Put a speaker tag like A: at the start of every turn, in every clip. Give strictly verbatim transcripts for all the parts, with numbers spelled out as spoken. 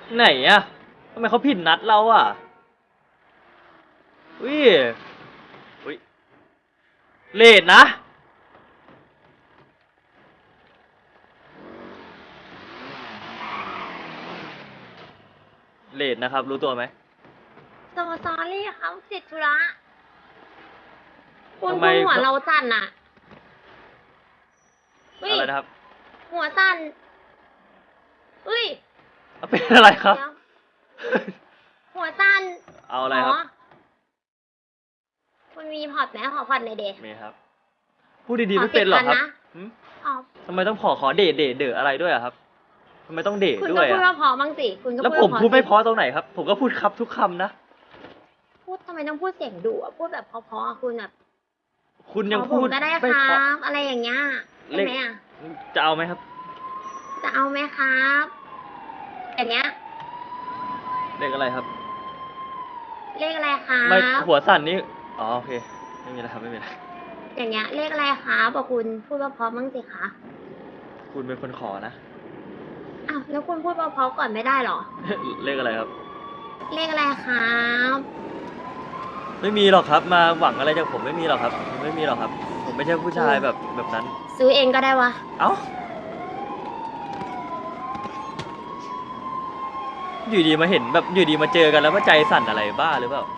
A: ไหนอะทำไมเขาผิดนัดเราอะอุ้ยอุ้ยเลทนะเลทนะครับรู้ตัวไหม
B: โซซอรี่เขาติดธุระคุณคุณหัวเราสั่นอะ
A: อะไรนะครับ
B: หัวสั่นอุ้ย
A: เป็นอะไรครับ
B: หัวสั่น
A: เอาอะไรครับ
B: คุณมีพอร์ตไหมขอพอร์ตในเดย์
A: มีครับพูดดีๆไม่เป็นหรอครับทำไมต้องขอขอเดทเดทเดทอะไรด้วยอะครับทำไมต้องเดทด้วยอะคุณก็
B: พูดว่าพอบ้างสิคุณก็
A: แล้วผมพูดไม่พอตรงไหนครับผมก็พูดครับทุกคำนะ
B: พูดทำไมต้องพูดเสียงดุอะพูดแบบเพอๆคุณแบบ
A: คุณยังพูด
B: ก็ได้ครับอะไรอย่างเงี้ยใช่ไหมอะ
A: จะเอาไหมครับ
B: จะเอาไหมครับอย่างเงี้ย
A: เลขอะไรครับ
B: เลขอะไรครับ
A: ไม่หัวสั่นนี่อ๋อโอเคไม่มีอะไรครับไม่มีอะไร
B: อย่างเงี้ยเลขอะไรคะบอกคุณพูดเพราะๆบ้างสิคะ
A: คุณเป็นคนขอนะ
B: อ้าวแล้วคุณพูดเพราะๆก่อนไม่ได้หรอ
A: เลขอะไรครับ
B: เลขอะไรครับ
A: ไม่มีหรอกครับมาหวังอะไรจากผมไม่มีหรอกครับไม่มีหรอกครับผมไม่ใช่ผู้ชายแบบแบบนั้น
B: ซื้อเองก็ได้วะ
A: เอ้าอยู่ดีมาเห็นแบบอยู่ดีมาเจอกันแล้วว่าใจสั่นอะไรบ้าหรือเปล่า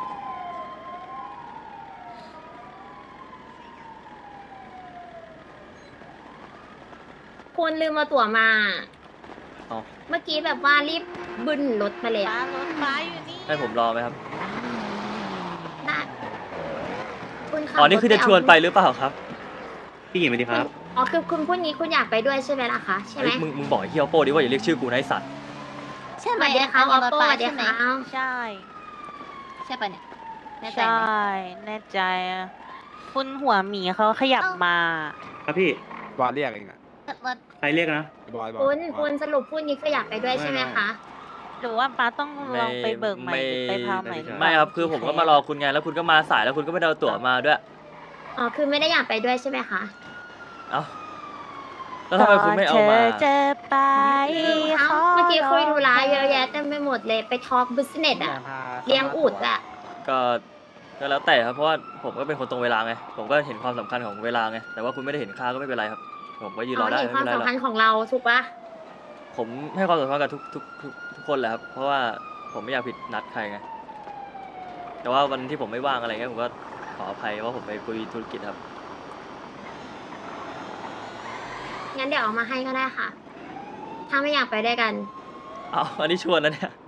B: คุณลืมมาตั๋วมาเมื่อกี้แบบว่ารีบบึนรถมาเลย
C: รถฟ้าอยู่นี่
A: ให้ผมรอไหมครับ
B: ได้คุณขับ
A: อ๋อนี่คือจะชวนไปหรือเปล่าครับพี่หญิงสวัสดีครับ
B: อ๋อคือคุณพูดงี้คุณอยากไปด้วยใช่ไหมล่ะคะใช่ไหม
A: มึงมึงบอกเฮียโป้ดิว่าอย่าเรียกชื่อกูนายสัตว์
C: ใช่ไหม
B: เดี๋ยวเขาเอาโป้เดี๋ยวเขา
C: ใช่
B: ใช่ปะเนี่ย
C: ใช่แน่ใจคุณหัวหมีเขาขยับมา
D: ครับพี่บอลเรียกเองนะใครเรียกนะ
B: บอลคุณคุณสรุปพูดงี้คืออยากไปด้วยใช่ไหมคะ
C: หรือว่าป้าต้องลองไปเบิกใหม่ไปพาใหม่
A: ไม่ครับคือผมก็มารอคุณไงแล้วคุณก็มาสายแล้วคุณก็ไม่ได้เอาตั๋วมาด้วย
B: อ๋อคือไม่ได้อยากไปด้วยใช่ไหมคะ
A: เอ้าแล้วทำไมคุณไม่เอามา
C: จะไป
B: เมื่อกี้คุยธุระเยอะแยะเต็มไปหมดเลยไปทอล์กบิสเนสอะเลี้ยงอูฐอะ
A: ก็ก็แล้วแต่ครับเพราะว่าผมก็เป็นคนตรงเวลาไงผมก็เห็นความสำคัญของเวลาไงแต่ว่าคุณไม่ได้เห็นค่าก็ไม่เป็นไรครับผมก็ยืนรอได้
B: ไม่เป็นไรหรอกความสำคัญของเราถูกปะ
A: ผมให้ความสำคัญกับทุกทุกทุกทุกคนแหละครับเพราะว่าผมไม่อยากผิดนัดใครไงแต่ว่าวันที่ผมไม่ว่างอะไรเงี้ยผมก็ขออภัยว่าผมไปคุยธุรกิจครับ
B: งั้นเดี๋ยวเอามาให้ก็ได้ค่ะถ้าไม่อยากไปด้วยกัน
A: เอาอันนี้ชวนนะเนี่ย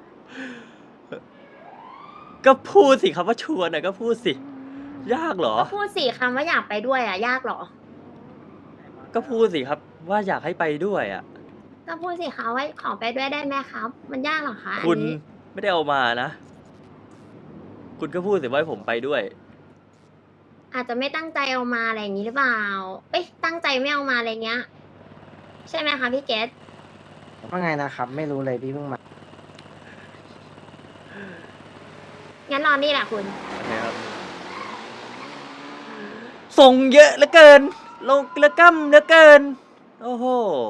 A: ก็พูดสิครับว่าชวนน่ะก็พูดสิยากเหรอ
B: พูดสิคำว่าอยากไปด้วยอ่ะยากเหรอ
A: ก็พูดสิครับว่าอยากให้ไปด้วยอ่ะ
B: ก็พูดสิคะว่าขอไปด้วยได้ไหมครับมันยากเหรอคะ
A: คุณไม่ได้เอามานะคุณก็พูดสิว่าให้ผมไปด้วย
B: อาจจะไม่ตั้งใจเอามาอะไรอย่างนี้หรือเปล่าเอ้ยตั้งใจไม่เอามาอะไรเงี้ยใช่ไหมคะพี่เกส
E: ว่าไงนะครับไม่รู้เลยพี่เพิ่งมา
B: งั้นรอนี่แหละคุณ
A: โอเคครับส่งเยอะเหลือเกินลงกระกั้มเหลือเกินโอ้โห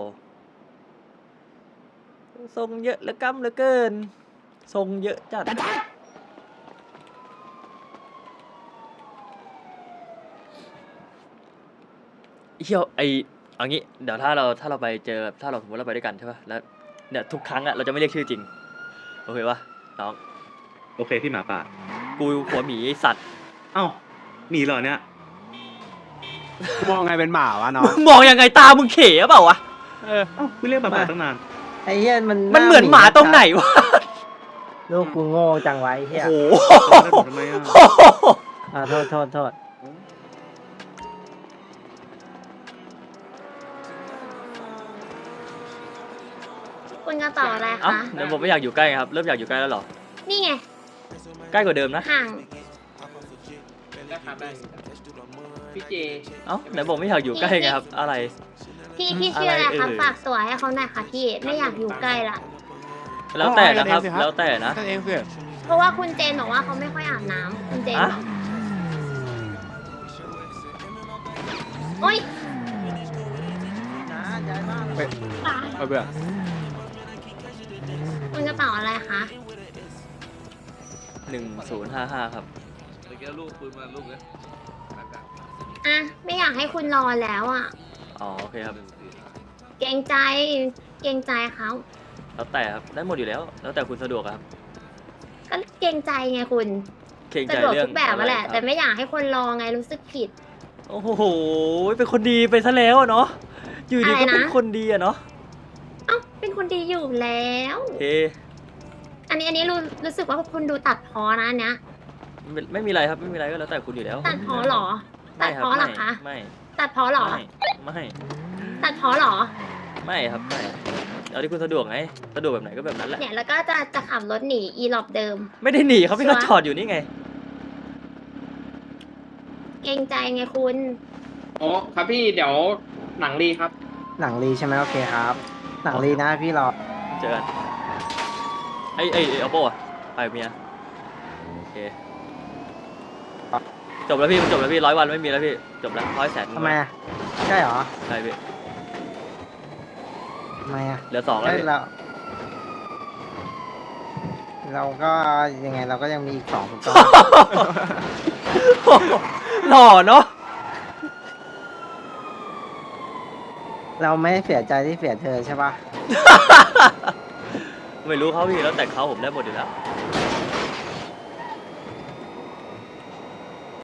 A: ส่งเยอะเหลือกั้มเหลือเกินส่งเยอะจัดเที่ยวไอเอางี้เดี๋ยวถ้าเราถ้าเราไปเจอถ้าเราสมมติเราไปด้วยกันใช่ป่ะแล้วเนี่ยทุกครั้งอะเราจะไม่เรียกชื่อจริงโอเคป่ะน้อง
D: โอเคพี่หมาป่า
A: กูหัวหมีไอสัตว์
D: เอ้าหมีเหรอเนี่ยมองไงเป็นหมาวะน้อง
A: มองยังไงตามึงเข๋เปล่าวะ
D: เออเอ้าคุณเรียกหมาป่าตั้งนาน
E: ไอ้เหี้ยมัน
A: มันเหมือนหมาตรงไหนวะ
E: ลูกกูโง่จังไว้เหี้ย
A: โอ้โหทำไมอ่ะ
E: อ่าโทษโทษโทษ
B: คุณกระเป๋าอะไรคะ
A: เดี๋ยวผมไม่อยากอยู่ใกล้ครับเริ่มอยากอยู่ใกล้แล้วหรอ
B: นี่ไง
A: ใกล้กว่าเดิมนะ
B: ห่าง
A: พี่เจเอ้าไหนบอกไม่อยากอยู่ใกล้ไงครับอะไร
B: พี่พี่ชื่ออะไรครับฝากตัวให้เขาหน่อยค่ะพี่ไม่อยากอยู่ใกล้ละ
A: แล้วแต่นะครับแล้วแต่นะ
B: เพราะว่าคุณเจนบอกว่าเขาไม่ค่อยอาบน้ำคุณเจนโอ๊ย
D: ไปเบื่อ
A: หนึ่งศูนย์ห้าห้าครับ
F: เมื่อกี้ลูกปืนมาลูกเลย
B: อ่ะไม่อยากให้คุณรอแล้วอ่ะ
A: อ๋อโอเคครับ
B: เกรงใจเกรงใจเขา
A: แล้วแต่ครับได้หมดอยู่แล้ว แล้วแต่คุณสะดวกอะครับ
B: ก็เกรงใจไงคุณ
A: เกรง
B: สะ
A: ใจ
B: ดวก
A: เรื่อง
B: ทุกแบบ
A: อะ
B: อะ
A: ไร
B: แหละ
A: ครับ
B: แต่ไม่อยากให้คนรอไงรู้สึกผิด
A: โอ้โหเป็นคนดีไปซะแล้วอะเนาะอยู่ดี
B: อะไร
A: ก็
B: นะ
A: เป็นคนดีอะเนาะ
B: เอ้าเป็นคนดีอยู่แล้ว
A: เอ
B: อันนี้อันนี้รู้รู้สึกว่าคุณดูตัดพ้อนะอันเนี้ย
A: ไม่ไม่มีอะไรครับไม่มีอะไรก็แล้วแต่คุณอยู่แล้ว
B: ตัดพ้อเหรอ ตั
A: ไม่
B: ด
A: ครับ
B: พ้อเหรอ
A: ไม่
B: คะ
A: ไม่
B: ตัดพ้อเหรอ
A: ไม่ไม่
B: ตัดพ้อเหรอ
A: ไม่ครับไม่เอาที่คุณสะดวกไงสะดวกแบบไหนก็แบบนั้นแหละ
B: เนี่ยแล้วก็จะจะขับรถหนีอีหลอบเดิม
A: ไม่ได้หนีครับพี่
B: ชั
A: ก็
B: วร์
A: จอดอยู่นี่ไง
B: เกรงใจไงคุณ
G: โอ้ครับพี่เดี๋ยวหนังรีครับ
E: หนังรีใช่ไหมโอเคครับ หนังรีนะพี่รอ
A: เจอกันไอ้ไอ้ไอ้เอาโป้อะไปกับเมียโอเคจบแล้วพี่มันจบแล้วพี่ร้อยวันไม่มีแล้วพี่จบแล้วร้อยแสน
E: ทำไมอะใช่เหรอ
A: ใช่พี่
E: ทำไมอะ
A: เหลือสองแล้ว
E: เอ้ย
A: พี่
E: เรา เราก็ยังไงเราก็ยังมีอีกสองถูกต้อง
A: หล่อเนาะ
E: เราไม่เสียใจที่เสียเธอใช่ปะ
A: ไม่รู้เขาพี่แล้วแต่เขาผมได้หมดอยู่แล้ว